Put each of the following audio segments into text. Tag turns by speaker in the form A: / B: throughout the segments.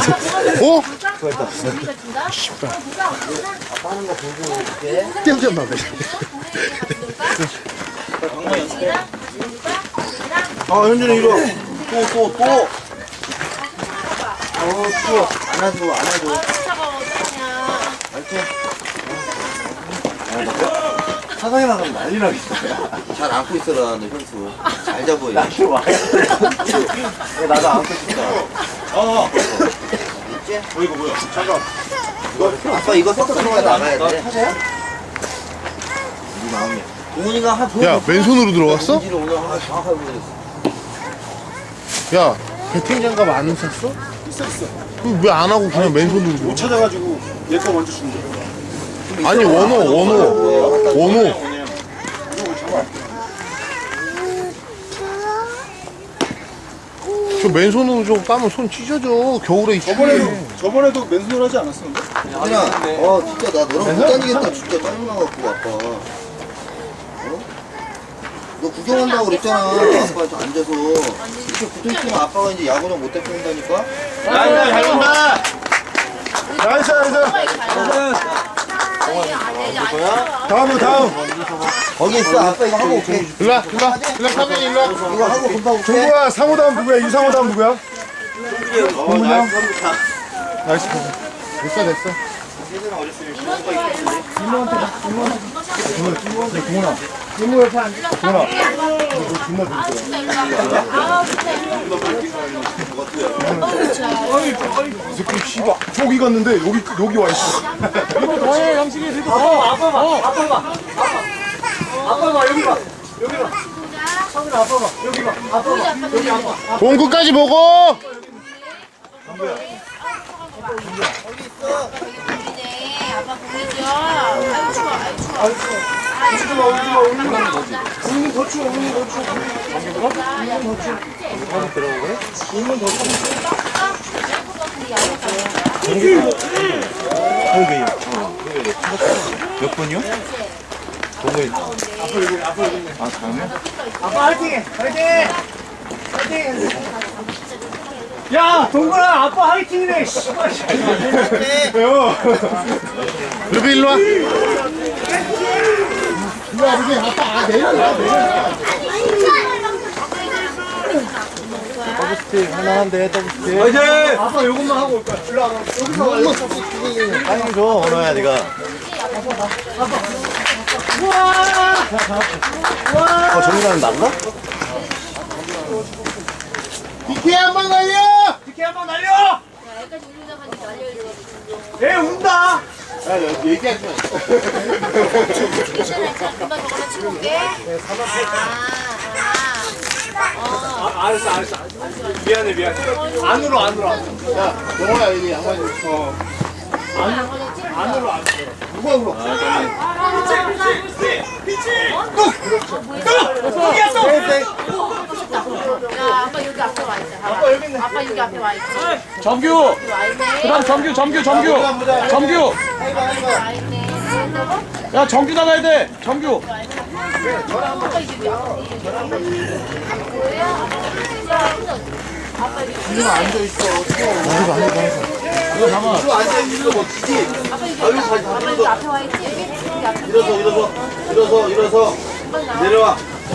A: 어?
B: 수고했다.
A: 씨발.
B: 아빠 하는 거 보고 이렇게.
A: 떼어졌나 봐.
B: 현준이 이리 와. 또. 추워. 안아줘. 사상에 나가면 난리 나겠어. 잘 안고 있어라, 너 현수. 잘 잡어. 나도 와. 나도 안고 있어. 있지?
C: 이거 뭐야? 잠깐.
B: 아빠 이거 섞어서 나가야 돼. 타자야? 우리 마음이야. 동훈이가
A: 야, 맨손으로 들어갔어?
B: 오늘 하나 정확하게 보여줬어.
A: 야, 배팅 장갑 안 샀어?
C: 있어.
A: 왜 안 하고 그냥 맨손으로
C: 못
A: 들어?
C: 찾아가지고 얘 거 먼저 준 거야.
A: 아니, 원호. 저 맨손으로 좀 까면 손 찢어져. 겨울에 있지.
C: 저번에도 맨손으로 하지 않았어? 근데?
B: 그냥 진짜 나 너랑 못 다니겠다. 진짜 짜증나갖고 아빠. 너 구경한다고 그랬잖아. 아빠 좀 앉아서 이렇게 붙어있으면 아빠가 이제 야구장 못 데리고 온다니까.
C: 잘 본다. 나이스. 다음.
B: 거기 있어. 아빠 이거 하고 올게.
A: 일로와, 카빈이 일로와.
B: 이거 하고 금방 올게.
C: 정구야, 상호 다음 누구야? 이상호 다음 누구야? 나이스.
A: 됐어.
C: 이모 옆에 앉아. 동훈아. 이거 존나 재밌어. 이 새끼 씨발 저기 갔는데 여기 와 있어.
A: 공 끝까지 보고.
D: 아빠 보이죠? 아유 추워.
C: 오늘 더 추워.
E: 몇 번이요? 동호회. 아, 다음에?
C: 아빠 화이팅! 야, 동근아, 아빠 화이팅이네. 씨발.
A: 루비 일로와.
E: 더블스틱 하나한데 더블스틱.
C: 화이팅! 아빠 요것만 하고 올 거야. 일로 와봐. 여기서
E: 타이밍 줘, 언어야, 니가. 정민아는 난가?
A: 비키 한번 날려.
C: 이렇게 한번 날려!
D: 여기까지 올려나가니까 날려야지.
C: 애 운다!
A: 얘기하지 마.
D: 괜찮아. 금방 저거나 치고 올게.
C: 알았어. 미안해. 안으로.
A: 야, 영호야 여기 양말 좀 써.
C: 안으로.
A: 누가 울어?
D: 야, 아빠 여기 앞에 와 있어. 아빠 여기 있네. 아빠 여기 앞에 와 있어.
F: 정규!
D: 와 있네.
F: 그 다음 정규! 정규!
D: 와 있네.
F: 야, 정규 나가야 돼! 정규!
D: 아빠 이게
A: 누가 앉아 있어.
B: 이거 앉아 있는 거 멋지지?
D: 아빠 여기 앞에 와 있지? 여기 앞에.
B: 일어서. 내려와.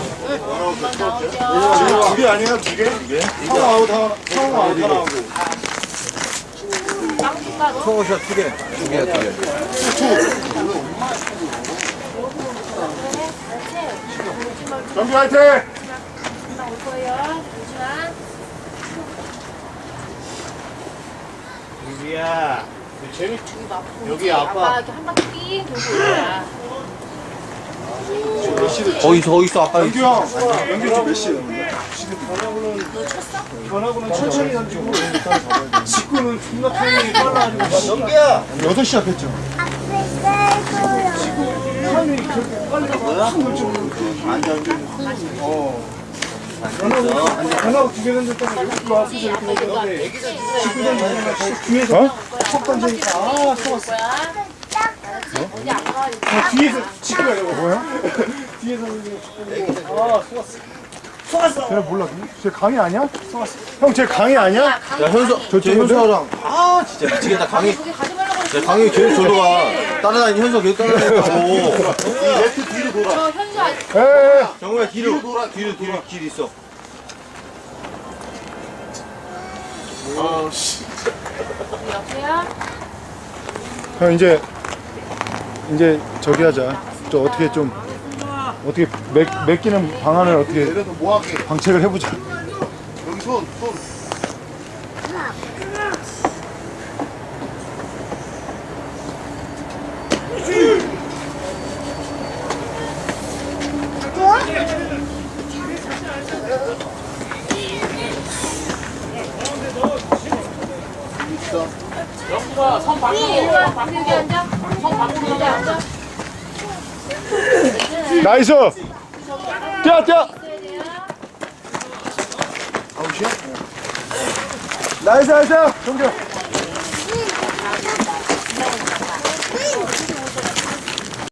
D: 나오죠.
C: 두 개 아니야? 두 개? 상호 아웃 하나.
E: 성호샷 2개. 2개야.
C: 정비 화이팅!
D: 금방 올 거예요. 잠시만.
A: 루비야.
D: 여기 아빠 이렇게 한 바퀴 삥 돌고 올거야.
E: 어디 있어, 아빠.
C: 연규 형. 연규 지금 몇 시에? 변화구는 천천히 던지고 직구는 존나 타이밍이 빨라가지고
B: 연기야.
C: 6시 앞했죠. 타이밍이 그렇게 빨라서 확 놓쳐. 변화구 두개 던졌다가 여기 와서 이렇게 던졌는데 직구 던지니까 뒤에서 턱 던지니까 속았어.
D: 어디 안 가?
C: 뒤에서 직구가 이거 뭐야? 뒤에서 속았어. 쟤네 몰라. 쟤 강희 아니야? 형, 쟤 강희 아니야?
E: 야 현수 쟤 현수랑 아 진짜 미치겠다 강희
D: 거기 가지 말라고 그랬어.
E: 야 강희 계속 저로 가 따라다니 현수가 계속 따라다니다고
B: 레프트 뒤로 돌아.
D: 저 현수 아직
C: 에에.
E: 정우야 뒤로
B: 돌아.
E: 뒤로 길 있어
D: 옆에야.
C: 형, 이제 저기 하자. 저 어떻게 좀, 어떻게 맡기는 방안을 어떻게
A: 내려서 뭐 하게?
C: 방책을 해보자.
A: 여기 손.
D: 영수가 선 밖으로 여기 앉아. 선 밖으로 여기 앉아.
C: 나이스! 뛰어!
A: 아웃이야?
C: 나이스! 정규!